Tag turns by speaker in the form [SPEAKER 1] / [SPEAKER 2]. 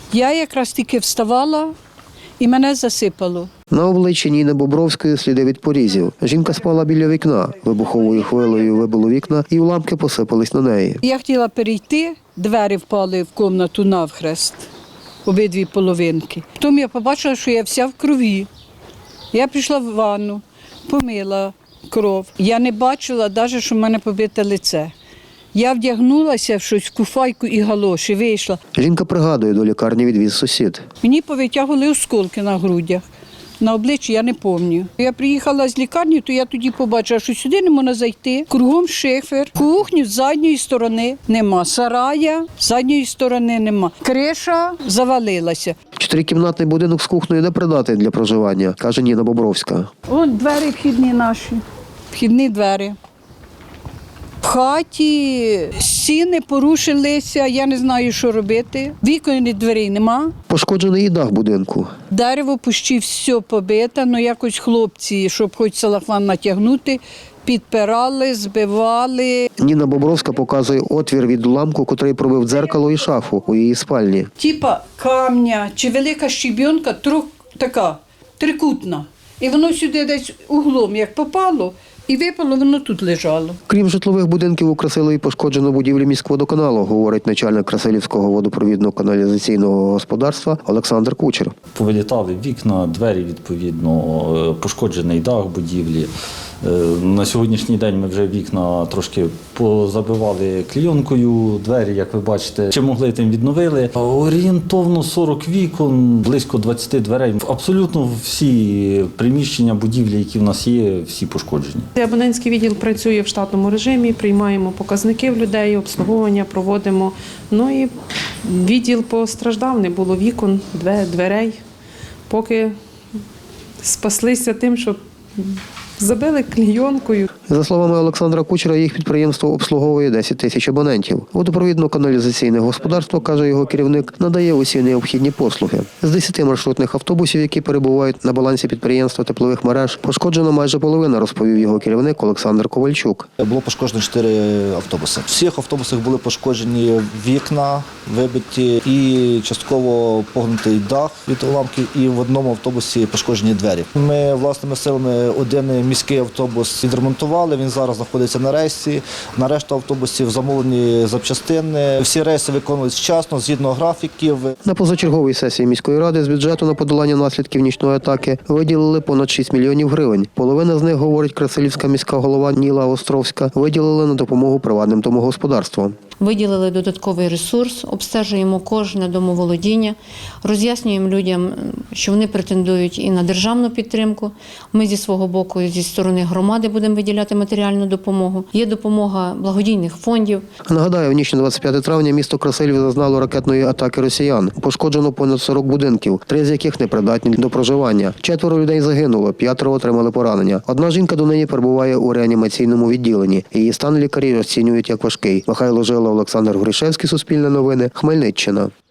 [SPEAKER 1] Я якраз тільки вставала і мене засипало.
[SPEAKER 2] На обличчі Ніни Бобровської сліди від порізів. Жінка спала біля вікна. Вибуховою хвилею вибило вікна і уламки посипались на неї.
[SPEAKER 1] Я хотіла перейти, двері впали в кімнату навхрест, обидві половинки. Потім я побачила, що я вся в крові. Я пішла в ванну, помила кров. Я не бачила навіть, що в мене побите лице. Я вдягнулася в щось, куфайку і галоші, вийшла.
[SPEAKER 2] Жінка пригадує, до лікарні відвіз сусід.
[SPEAKER 1] Мені повитягували осколки на грудях. На обличчі я не пам'ятаю. Я приїхала з лікарні, то я тоді побачила, що сюди не можна зайти. Кругом шифер, кухню з задньої сторони нема, сарая з задньої сторони нема. Криша завалилася.
[SPEAKER 2] 4-кімнатний будинок з кухнею не придатний для проживання, каже Ніна Бобровська.
[SPEAKER 1] Вон двері вхідні наші, вхідні двері. В хаті стіни порушилися, я не знаю, що робити. Вікон і дверей нема.
[SPEAKER 2] Пошкоджений і дах будинку.
[SPEAKER 1] Дерево почти все побите, але якось хлопці, щоб хоч салафан натягнути, підпирали, збивали.
[SPEAKER 2] Ніна Бобровська показує отвір від уламку, котрий пробив дзеркало і шафу у її спальні.
[SPEAKER 1] Типа камня чи велика щебінка, така трикутна. І воно сюди десь углом як попало, і випало, воно тут лежало.
[SPEAKER 2] Крім житлових будинків, у Красилові пошкоджено будівлі міськводоканалу, говорить начальник Красилівського водопровідно-каналізаційного господарства Олександр Кучер.
[SPEAKER 3] Повилітали вікна, двері, відповідно, пошкоджений дах будівлі. На сьогоднішній день ми вже вікна трошки позабивали клейонкою, двері, як ви бачите, чи могли, тим відновили. Орієнтовно 40 вікон, близько 20 дверей. Абсолютно всі приміщення, будівлі, які в нас є, всі пошкоджені.
[SPEAKER 4] Абонентський відділ працює в штатному режимі, приймаємо показники в людей, обслуговування проводимо. Ну і відділ постраждав, не було вікон, дверей. Поки спаслися тим, що забили клейонкою.
[SPEAKER 2] За словами Олександра Кучера, їх підприємство обслуговує 10 тисяч абонентів. Водопровідно-каналізаційне господарство, каже його керівник, надає усі необхідні послуги. З 10 маршрутних автобусів, які перебувають на балансі підприємства теплових мереж, пошкоджено майже половина, розповів його керівник Олександр Ковальчук.
[SPEAKER 5] Було пошкоджено 4 автобуси. В всіх автобусах були пошкоджені вікна, вибиті і частково погнутий дах від уламків, і в одному автобусі пошкоджені двері. Ми власними силами один міський автобус відремонтували, він зараз знаходиться на рейсі. На решту автобусів замовлені запчастини. Всі рейси виконують вчасно, згідно графіків.
[SPEAKER 2] На позачерговій сесії міської ради з бюджету на подолання наслідків нічної атаки виділили понад 6 мільйонів гривень. Половина з них, говорить Красилівська міська голова Ніла Островська, виділили на допомогу приватним домогосподарствам.
[SPEAKER 6] Виділили додатковий ресурс, обстежуємо кожне домоволодіння, роз'яснюємо людям, що вони претендують і на державну підтримку. Ми зі свого боку, зі сторони громади будемо виділяти матеріальну допомогу. Є допомога благодійних фондів.
[SPEAKER 2] Нагадаю, в ніч на 25 травня місто Красилів зазнало ракетної атаки росіян. Пошкоджено понад 40 будинків, 3 з яких непридатні до проживання. 4 людей загинуло, 5 отримали поранення. Одна жінка донині перебуває у реанімаційному відділенні. Її стан лікарі розцінюють як важкий. Михайло Жила, Олександр Гришевський, Суспільне новини, Хмельниччина.